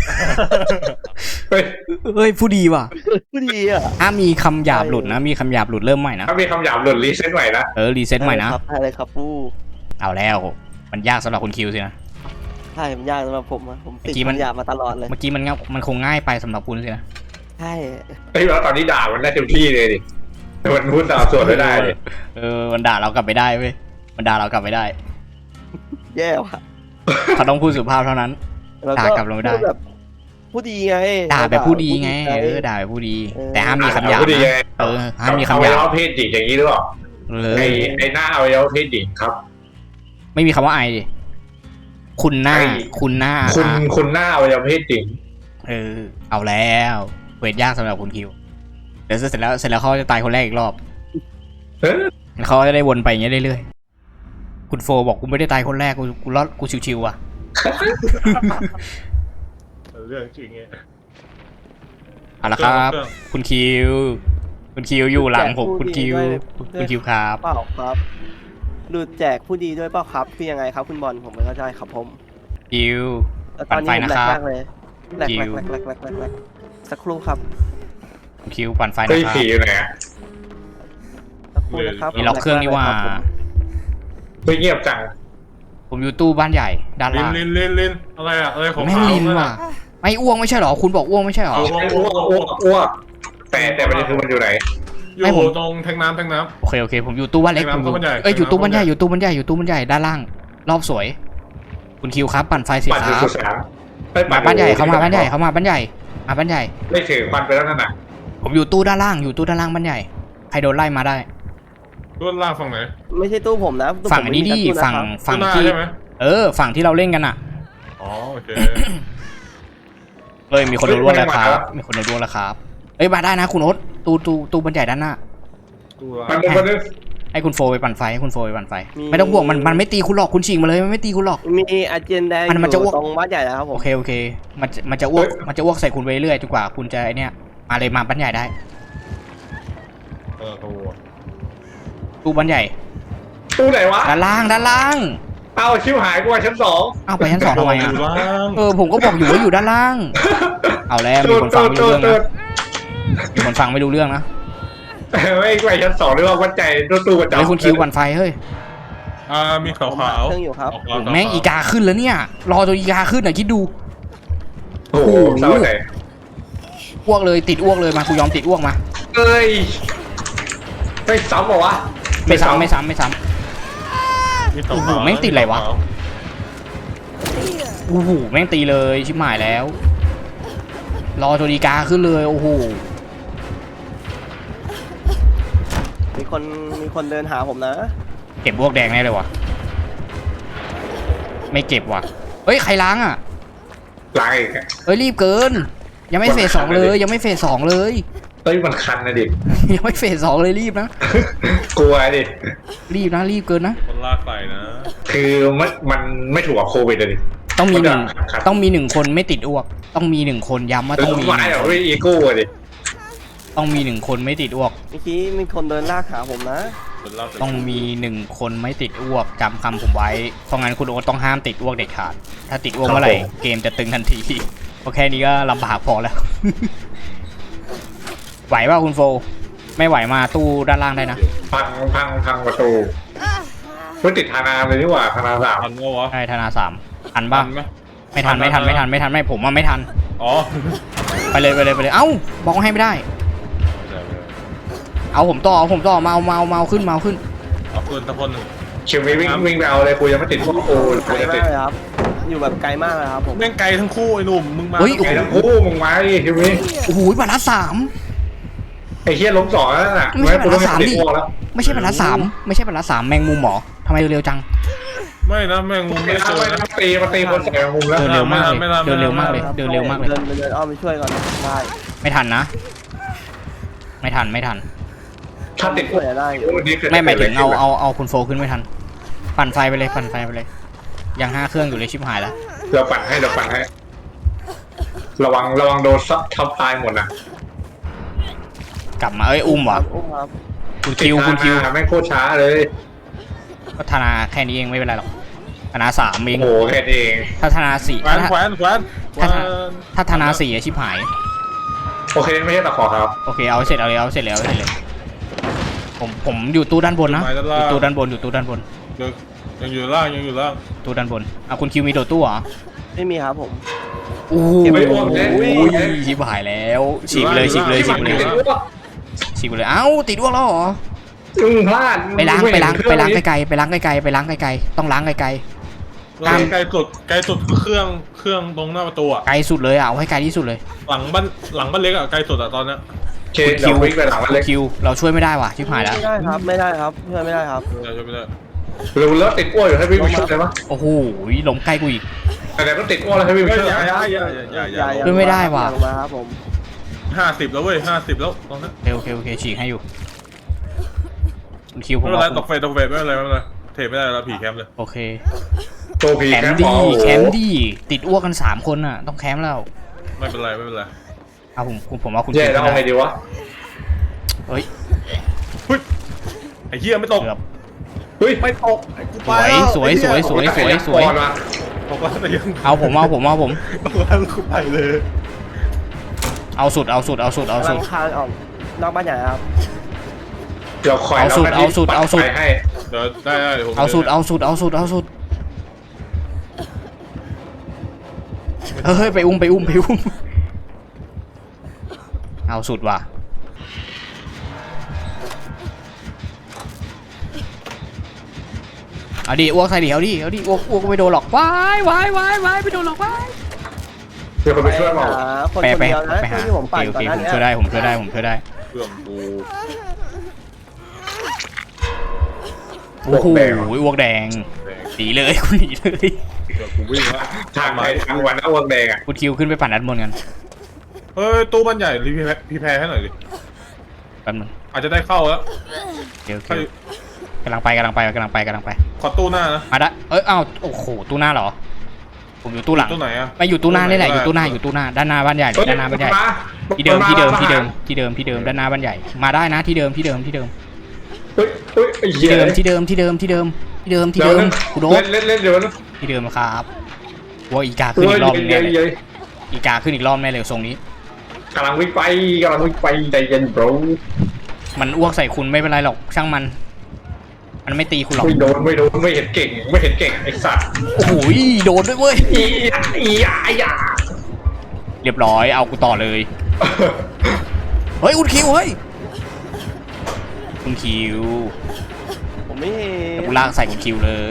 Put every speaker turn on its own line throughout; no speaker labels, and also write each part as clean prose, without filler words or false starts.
เฮ้ยผู้ดีว่ะ
ผู้ดีอ่ะ
มีคำหยาบหลุดนะมีคำหยาบหลุดเริ่มใหม่นะ
ถ้ามีคำหยาบหลุดรีเซ็ตใหม่นะ
รีเซ็ตใหม่นะ
อะไรครับผู้
เอาแล้วมันยากสำหรับคุณคิวสินะ
ใช่มันยากสำหรับผมผมติดคำหยาบมาตลอดเลย
เมื่อกี้มันคงง่ายไปสำหรับคุณสินะ
ใช่
ไอ้แล้วตอนนี้ด่ามันได้เต็มที่เลยดิมันพูดตามส่วนไม่ได้เลย
มันด่าเรากลับไปได้เว้ยมันด่าเรากลับไปได้
แย่ว่ะ
เขาต้องพูดสุภาพเท่านั้นด่ากลับเราไม่ได้
แบบผู้ดีไง
ด่าแบบผู้ดีไงด่าแบบผู้ดีแต่ห้ามมีคำหยาบนะห้ามมีคำหยาบ
เพศหญิงอย่างนี้หรือเปล่าไอ้หน้าเอาไว้เพศหญิงครับ
ไม่มีคำว่าไอดิคุณหน้าคุณหน้า
เอาไว้เพศหญิง
เอาแล้วเวทยากสำหรับคุณคิวเดี๋ยวเสร็จแล้วเขาจะตายคนแรกอีกรอบเขาจะได้วนไปอย่างเงี้ยเรื่อยๆคุณโฟบอกกูไม่ได้ตายคนแรกกูรอดกูชิวๆอ่ะ
เรื่องจริงไง
เอาละครับคุณคิวอยู่หลังผมคุณคิวครับ
เปล่าครับหลุดแจกผู้ดีด้วยเปล่าครับคือยังไงครับคุณบอลผมไม่เข้าใจครับผม
คิวปั่นไฟนะครับ
แหลกสักครู่ครับ
คิวปั่นไฟนะครับ
ผีอยู่ไหน
สักครู่นะครับ
มีล็อกเครื่องนี่ว่า
ไม่เงียบจัง
ผมอยู่ตู้บ้านใหญ่ด้านล่าง
ลินอะไรอะอะไรของ
ไม่ลินว่ะไม่อ้วงไม่ใช่หรอคุณบอกอ้วงไม่ใช่หรอ
อ้วกแต่ประเด็นคือมันอยู่ไหน
อยู่ตรงแทงน้ำ
โอเคผมอยู่ตู้บ้านเล็กอยู่ตู้บ้านใหญ่ด้านล่างรอบสวยคุณคิวครับปั่นไฟเสร็จครับมาบ้านใหญ่เขามาบ้านใหญ่มาบ้านใหญ่
ไม่ถือควันไปแล้วนั่นน่ะ
ผมอยู่ตู้ด้านล่างบ้านใหญ่ใครโดนไล่มาได้
ตู้ล่างฝั่งไหน
ไม่ใช่ตู้ผมนะ
ฝั่งนี้ดิฝั่งที่ฝั่งที่เราเล่นกันอ่ะ
อ๋อโอเค
มีคนโดนร่วงแล้วครับมาได้นะคุณโอ๊ตตู้บันใหญ่ด้านหน้าให้คุณโฟไปปั่นไฟไม่ต้องห่วงมันไม่ตีคุณหรอกคุณฉีกมาเลยมันไม่ตีคุณหรอก
มีอาเจนแดง
มันจะอ้วก
ตรงบ้านใหญ่แล้วครับผม
โอเคมันจะอ้วกใส่คุณไปเรื่อยจนกว่าคุณจะไอเนี้ยมาเลยมาบ้านใหญ่ได้ตู้บ้านใหญ่
ตู้ไหนวะ
ด้านล่าง
เอาชิวหายกูว่าชั้น2
เอาไปชั้น2ทำไมอ่ะผมก็บอกอยู่ว่าอยู่ด้านล่างเอาแล้วมีคนฟังไม่รู้เรื่องนะ
ไม่ไปชั้น2หรือว่าวัดใจตู้ประจำ
ไอ้คุณคิวปั่นไฟเฮ้ย
มีขาว
เครื่องอยู่ครับ
แม่งอีกาขึ้นแล้วเนี่ยรอจนอีกาขึ้นหน่อยคิดดู
โอ้โหเศร้าใจ
อ้วกเลยติดอ้วกเลยมากูยอมติดอ้วกมา
ไม่ซ้ำเหรอวะ
ไม่ซ้ำโอ้โหแม่งติดอะไรวะโอ้โหแม่งตีเลยชิบหายแล้วรอจนอีกาขึ้นเลยโอ้โห
มีคนเดินหาผมนะ
เก็บพวกแดงแน่เลยวะไม่เก็บว่ะเฮ้ยใครล้างอ่ะ
ล้างอีก
รีบเกินยังไม่เฟส 2เลยยังไม่เฟส 2เลย
มันคันนะดิ
ยังไม่เฟส 2เลยรีบนะ
กลัวดิ
รีบเกินนะ
คนลากไฟนะ
คือมันไม่ถูกกับโควิดเลย
ต้องมี1คนไม่ติดอ้วกต้องมี1คนย้ำว่าต้องมี
อีโก้ดิ
ต้องมี1คนไม่ติดอ้วก
เมื่อกี้มีคนเดินลากขาผมนะ
ต้องมี1คนไม่ติดอ้วกจำคำผมไว้เพราะงั้นคุณโอ๊ตต้องห้ามติดอ้วกเด็ดขาดถ้าติดอ้วกเมื่อไหร่เกมจะตึงทันทีโอเคนี้ก็ลำบากพอแล้วไหวป่ะคุณโฟไม่ไหวมาตู้ด้านล่างได้นะ
พังประตูไม่ติดธนาเลยนี่หว่าธนา3
ทันวะ
ใช่ธนา3ทันป่ะไม่ทันไม่ผมว่าไม่ทัน
อ๋อ
ไปเลยเอ้าบอกให้ไม่ได้เอาผมต่อมาเอาขึ้น
เอาขึ้นตะพน
ชิววิ่งไปเอาเลยกูยังไม่ติดพวกโอ้
ไกลมากเลยครับอยู่แบบไกลมากเลยครับผม
แม่งไกลทั้งคู่ไอ้หนุ่มมึงมา
ไกลทั้งคู่มึงมาดิชิว
โอ้โหบรรทัด
3ไอ้เหี้ยล้ม2แล้วน่ะ
ไม่ใช่บรรทัด3ดิไม่ใช่บรรทัด3แมงมุมหมอทำไมเร็วจัง
ไม่นะแมงมุมไม่เจอ
มาตีคนใส่แมงมุมแล้ว
เดินเร็วมากเลยเดินเร็วมากเลย
เดินอ้อมไปช่วยก่อนได้
ไม่ทันนะไม่ทัน
ถ้าติด
ช่วยได้
ไม่หมายถึงเอาคุณโฟขึ้นไม่ทันปั่นไฟไปเลยยัง5 เครื่องอยู่เลยชิบหายแล้ว
เราปั่นให้ระวังโดนซับทับตายหมดนะ
กลับมาอุ้มว่ะคุณคิว
ไม่โคตรช้าเลย
พัฒนาแค่นี้เองไม่เป็นไรหรอกธนา3เอง
โอ้โหแค่นี้เอง
ถ้าธนา4
แขวนแขวนแขวน
ถ้าธนา4ชิบหาย
โอเคไม่ใช่ตะขอครับ
โอเคเอาเสร็จเอาเลยเอาเสร็จแล้วเลยผมอยู่ตู้ด้านบนนะอยู่ตู้ด้านบนอยู่ตู้ด้านบน
ยังอยู่ล่างยังอยู่ล่าง
ตู้ด้านบนคุณคิวมีโดดตู้เหรอ
ไม่มีครับผม
โอ้โห
ไม่อ้วกเนี่ย
ชิบหายแล้วฉีกไปเลยฉีกไปเลยฉีกไปเลยฉีกไปเลยเอ้าติดอ้วกแล้วเหรอ
พลาด
ไปล้างไกลๆไปล้างไกลๆต้องล้างไกล
ไกลสุดเครื่องตรงหน้าประตูอ่ะ
ๆไกลสุดเลยเอาให้ไกลที่สุดเลย
หลังบ้านเล็กอ่ะไกลสุดอ่ะตอนเนี้ย
โอเคเดี๋ยววิ่งไปหลังมันเล็ก
คิวเราช่วยไม่ได้ว่ะชิบหายแล้ว
ไม่ได้ครับไม่ได้ครับช่วยไม่ได้ครับ
ไม่ได้
เร็วแล้วติดอ้วนอยู่ให้วิ่งไปช่วยได้ปะ
โอ้โหล้มใกล้กูอีก
แต่ก็ติดอ้วนแล้วให้วิ่งไปช่วย
ช่วยไม่ได้ว่ะ
อย่าลงมาครับผม
50แล้วเว้ย50แล้วตอนนี้
โอเคฉีกให้อยู่คุณคิวผ
ไม่
ม
เป็นไร
ว่า
ตกเฟสไม่เป็นไรเทไม่ได้แล้วผีแคมป์เลย
โอเค
ตัวผี
แคม
แค่
ป์
พ
ดี
อ
แคมป์ดีติดอ้วกกัน3คนน่ะต้องแคมป์แล้ว
ไม่เป็นไร
เอาผมว่าคุณ
เจ๊เราเอาไงดีวะ
เฮ้ย
ไอ้เหี้ยไม่ตก
เกือบ
เฮ้ย
ไม่ตก
สวย
ตกแล้วแต่ยัง
เอาผม
ตกแล้วกูไปเลย
เอาสุด
กำลังคานออกนอกบ้านใหญ่ครับ
เดี๋ยวคอย
เอาสุด
ให้
เดี๋ยวได้เดี๋ยวผม
เอาสุดเฮ้ยไปอุ้มเอาสุดว่ะเอาดิอ้วกใส่ดิเอาดิอ้วกไม่โดนหรอกว้ายไม่โดนหรอกว้าย
เดี๋ยวคนไปช่วยเปล่า
หาคนคนเดียวนะ
ไปหา
ที่ผมปั่น
โอ
ก่อน
เค
หน้า
ผม
นี้
ช่วยได้ผมช่วยได้
เครื่องกู
โอ้โหอ้วกแดงหนีเลยคุณหนีเลย
เครื่องกูวิ่งละ
ทางไหนทางวันอ้วนแดงอ่ะ
คุณคิวขึ้นไปปั่นด้านบนกัน
เฮ้ยตู้บ้านใหญ่รีแพร์ให้หน่อยดิ
แป๊บนึง
อาจจะได้เข้าแล้ว
โอเคกำลังไป
ขอตู้หน้านะ
มาได้อ้าวโอ้โหตู้หน้าเหรอผมอยู่ตู้หลัง
ตู้ไหนอ่ะ
ไม่อยู่ตู้หน้านี่แหละอยู่ตู้หน้าด้านหน้าบ้านใหญ่ด้านหน้าบ้านใหญ่ที่เดิมด้านหน้าบ้านใหญ่มาได้นะที่เดิม
เฮ้ยไอ้
ที่
เหี้ย
เดิมคุณโด
เล่นเดี๋ยวนะ
ที่เดิมครับว่าอีกาขึ้นอีกรอบแน่เลยอีกาขึ้นอีกรอบแน่เลยทรงนี้
กำลังวิ่งไปใจเย็น bro
มันอ้วกใส่คุณไม่เป็นไรหรอกช่างมันไม่ตีคุณหรอก
ไม่โดนไม่เห็นเก่งไอ้สัตว์
โอ้โหโดนด้วยเว้ย
อียา
เรียบร้อยเอากูต่อเลยเฮ้ยคุณคิว
ผมไม่เห็น
กูลากใส่คุณคิวเลย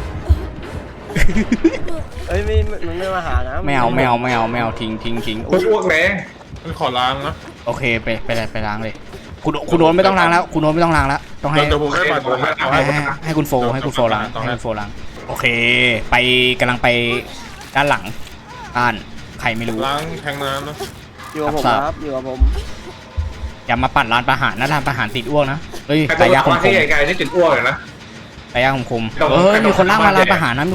เอ้ยมันไม่มาหานะ
ไม่เอาทิ้ง
คนอ้วกแดง
มันขอล้างนะ
โอเคไปล้างเลยคุณโดนไม่ต้องล้างแล้วต้องให้
เดี๋ยวผมได้บัตรผม
ให้คุณโฟล้างโอเคกำลังไปด้านหลังบ้านใครไม่รู้
ล้างแทงน้ำนะ
อยู่กับผมครับอยู่กับผม
อย่ามาปั่นร้านประหารนะร้านประหารติดอ้วกนะเฮ้ย
ไอ้
ไก่
ตัว
ย่างคม
ที่ใหญ่ๆที่ติดอ้วกเลยนะ
ไก่ย่างคมเฮ้ยมีคนล่างมาร้านประหารนะ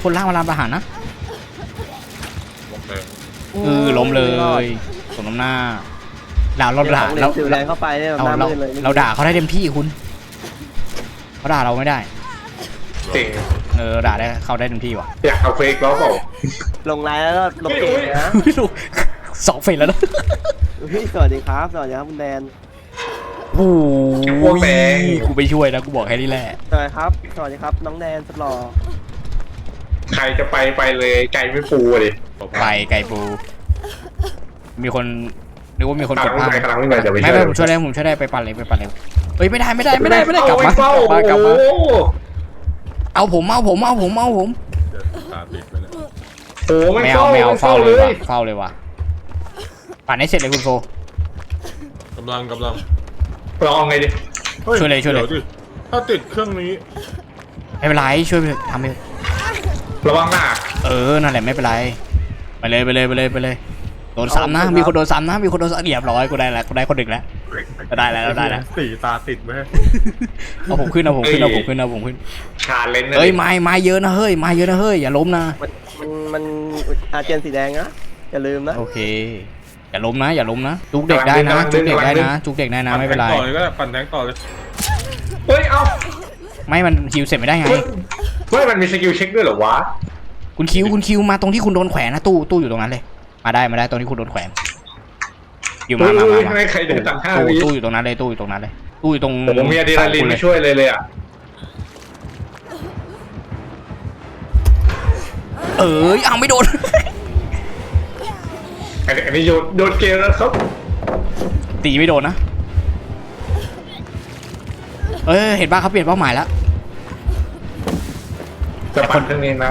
ล้มเลยสมน้ำหน้าเราด่า
เราถือแรงเข้าไปเนี่ย
เราด่าเขาได้เต็มที่คุณเขาด่าเราไม่ได้
เก่ง
ด่าได้เขาได้เต็มที่ว่ะ
อยากเอาเฟกแล้วเปล่า
ลงไลน์แล้วก็ลงเกมนะ
ไม่รู้2 เฟสแล้วนะ
สวัสดีครับคุณแดน
โอ้โหกูไปช่วยนะกูบอกแค่นี้แหละ
สวัสดีครับน้องแดนสุดหล่อ
ใครจะไปเลยไก่ไม่ปูดิ
ไปไก่ปูมีคนนึกว่ามีคนกดพลาด
กำลังวิ่งไปเดี๋ยวไป
ไม่ผมช่วยได้ไปปั่นเลยเฮ้ยไม่ได้กลับมาเอาผม
ตาติดไปเลย
โอ้ไม่
ไม่เอา
เฝ้า
เฝ้าเลยว่ะปั่นให้เสร็จเลยคุณโฟ
กำลัง
ลองไงดิ
ช่วยเลย
ถ้าติดเครื่องนี้
ไม่เป็นไรช่วยไปทำไป
ระวังหน้า
นั่นแหละไม่เป็นไรไปเลยโดนซ้ำนะมีคนโดนซ้ำเรียบร้อยกูได้คนดึกแล้วได้แล้ว
สีตาติดไหม
เอาผมขึ้น
ชาเลนจ์
เฮ้ยไม้เยอะนะเฮ้ยอย่าล้มนะ
มันอาเจนสีแดงนะอย่าลืมนะ
โอเคอย่าล้มนะจุกเด็กได้นะจุกเด็กได้นะไม่เป็นไร
ต่อเลยก็ปั่นแทงต่อเลย
เฮ้ยเอา
ไม่มันฮิวเสร็จไม่ได้ไง
เฮ้ยมันมีสกิลเช็คด้วยเหรอวะ
คุณคิวมาตรงที่คุณโดนแขวนนะตู้อยู่ตรงนั้นเลยมาได้ตรงที่คุณโดนแขวนอยู่มา
ไม่ใครเดินต่างห้าวิ
ตู้อยู่ตรงนั้นเลยตู้อยู่ตรงนั้นเลยตู้อยู่ตรง
ผมมีอะดรีนาลีนมาช่วยเลยอ่ะ
เอาไม่โดน
อันนี้โยนเกมแล้วครับ
ตีไม่โดนนะเห็นป่ะเขาเปลี่ยนเป้าหมายแล้ว
จะปั่นเครื่องนี้นะ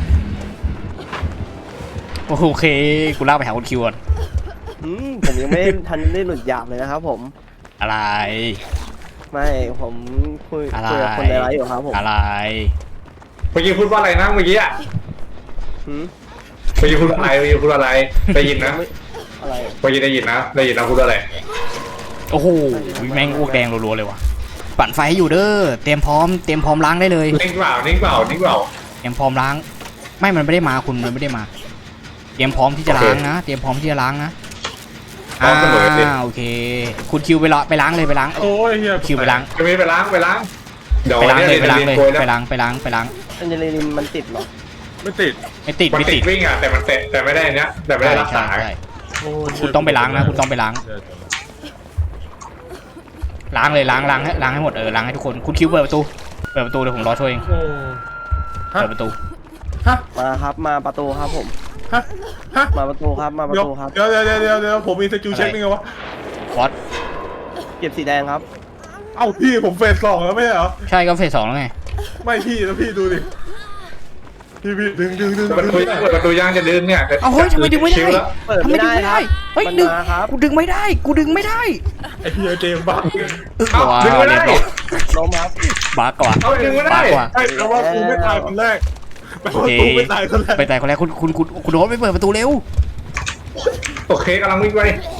โอเคกูลากไปหาคุณคิวก่อน
ผมยังไม่ทันได้หลุดหยาบเลยนะครับผม
อะไร
ไม่ผมคุย
อะไร
กับคนในไลฟ์อยู่ครับผม
อะไร
เมื่อกี้พูดว่าอะไรนะเมื่อกี้อ่ะ
หืม
เมื่อกี้พูดอะไรได้ยินนะ
อะไร
เมื่อกี้ได้ยินนะพูดอะไร
โอ้โหแม่งอ้วกแดงรัวๆเลยว่ะปั่นไฟให้อยู่เด้อเตรียมพร้อมล้างได้เลย
นิ่งเปล่า
เตรียมพร้อมล้างมันไม่ได้มาคุณมันไม่ได้มาเตรียมพร้อมที่จะล้างนะเตรียมพร้อมที่จะล้างนะโอเคคุณคิวไปล้างเลยไปล้าง
โอ้ยเฮีย
คิวไปล้าง
จะมีไปล้างเดี๋ยว
ไปล้างเลยไปล้างเลย
โกยแล้ว
ไปล้าง
อันเจลินมันติดเหรอ
ไม่ติด
ไม่ติด
มันติดวิ่งอ่ะแต่มันเตะแต่ไม่ได้เนี้ยแต่ไม่ได้รักษา
ใช่
โอ้ย
คุณต้องไปล้างนะคุณต้องไปล้างล้างเลยล้างให้หมดล้างให้ทุกคนคุณคิวเปิดประตูเดี๋ยวผมรอช่วยเอง
โอ้
เปิดประตู
มาครับมาประตูครับผม
ฮะ
มาประตูครับมาประตูครับ
เดี๋ยวผมมีสกิลเช็คนี่ไงวะ
วอต
เก็บสีแดงครับ
เอ้าพี่ผมเฟส 2แล้วไม่ใช่เหรอ
ใช่ก็เฟส 2แล้วไง
ไม่พี่แล้วพี่ดูดิพี่ดึง
เปิดประตูย่างจะดึงเนี่ย
เอาเฮ้ยทำไมดึงไม่ได้
เปิดไม่ได้ครับ
เฮ้ย
มัน
ดึง
มาครับ
กูดึงไม่ได้
ไอ้เฮียเจมบ้า
ดึงไม่ได้
ล้มครับ
บ้ากว่า
เอาดึงไม่ได้
บ้ากว่า
ไอ้แปลว่ากูไม่ตายคนแรกแปลว่ากูไม่ตายคนแรก
ไปตายคนแรกคุณโดนไปเปิดประตูเร็ว
โอเคกำลังวิ่งไป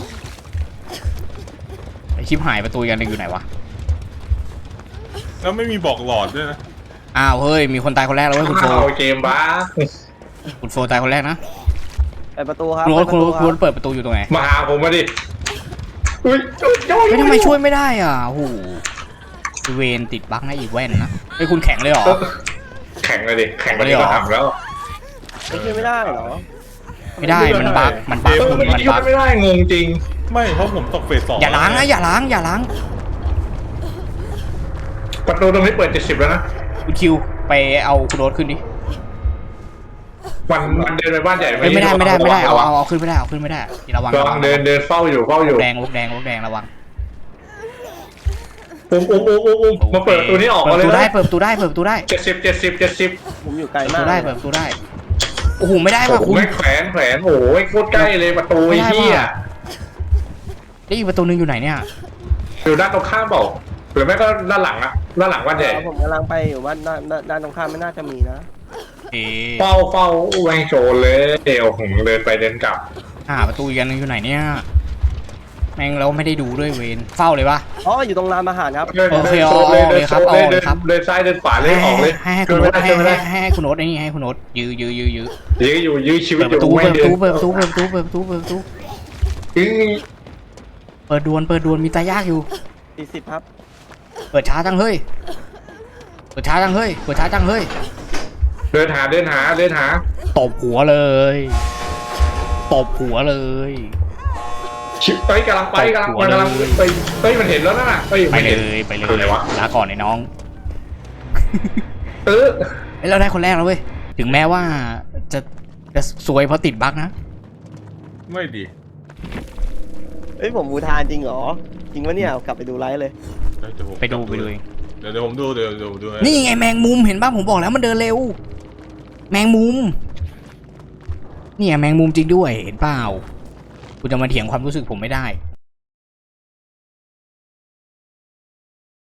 ไอชิปหายประตูอีกอันหนึงอยู่ไหนวะ
แล้วไม่มีบอกหลอดด้วยนะ
อ้าวเฮ้ยมีคนตายคนแรกแล้วเว้ยคุณโฟ
เอาเกมบ้า
คุณโฟตายคนแรกนะ
ไปประตูครับ
คุณโร
ไป
ถ
ประตูค
คุณ
รั
โร
บ
ถเปิดประตูอยู่ตรงไหน
มาหาผมมาดิอุ้ย
ไม่ทำไมช่วยไม่ได้อ่ะโอ้โหเวนติดบั๊กนะอีกแว่นนะไอคุณแข็งเลยเหรอ
แข่งเลยดิแข่งกันก็ทำแล้ว
ไม่ช่วยไม่ได้เหรอ
ไม่ได้มันบั๊กคุณ
มัน
มัน
ยุ่
บั๊ก
ไม่ได้งงจริง
ไม่เพราะผมตกเฟส 2
อย่าล้างนะอย่าล้าง
ประตูตรงนี้เปิด70แล้วนะ
คุณคิวไปเอาคุณโรถขึ้นดิ
มันเดินไปบ้านใหญ่
ไม่ได้เอาขึ้นไม่ได้ระวัง
ลองเดินเฝ้าอยู่
แดงระวัง
อุ้มมาเปิดประตูนี้ออกมาเลยนะ
เปิดประตูได้
70
ผมอยู่ไกล
เปิด
มา
ประ
ก
ตูได้โอ้โหไม่ได้
ผ
ว่ะ
ม
คุณ
ไม่แขวนโอ้ยโคตรใกล้เลยประตูไอ้เหี้ย
ได้อีกประตูนึงอยู่ไหนเนี่ย
อยู่ด้านตรงข้ามเปล่าหรือไม่ก็ด้านหลังอะด้านหลังบ้านใหญ่
ผมกำลังไปอยู่ว่าด้านตรงข้ามไม่น่าจะมีนะ
เฝ้าแวงโจรเลยเดี๋ยวผมเดินไปเดินกลับ
ประตูอีกอันนึงอยู่ไหนเนี่ยแม่งเราไม่ได้ดูด้วยเวนเฝ้าเลยปะ
อ๋ออยู่ตรงร้านอาหารครับ
เดินซ้ายเดินขวาเลยออกเลย
ให้คุณโน้ตให้คุณโน้ตนี่ให้คุณโน้ตยื้อ
ยื้อชีวิต
เปิด
อ
ประ
ยู่
ตู
ไม่
เปิด
เดิ
ประ
น
ตูเปิดดวนมีตายากอยู่
40ครับ
เปิดช้าจังเฮ้ย
เดินหา
ตบหัวเลย
ชิปไปกำลังไปมันเห็นแล้วนะ
ไปเลยลาก่อนไอ้น้องเราได้คนแรกแล้วเว้ยถึงแม้ว่าจะซวยเพราะติดบั๊กนะ
ไม่ดี
ผมบูทานจริงเหรอจริงวะเนี่ยกลับไปดูไลฟ์เลย
ไปดูเอง
เดี๋ยวผมดูเดี๋ยวดู
นี่ไงแมงมุมเห็นป่ะผมบอกแล้วมันเดินเร็วแมงมุมเนี่ยแมงมุมจริงด้วยเห็นเปล่าคุณจะมาเถียงความรู้สึกผมไม่ได้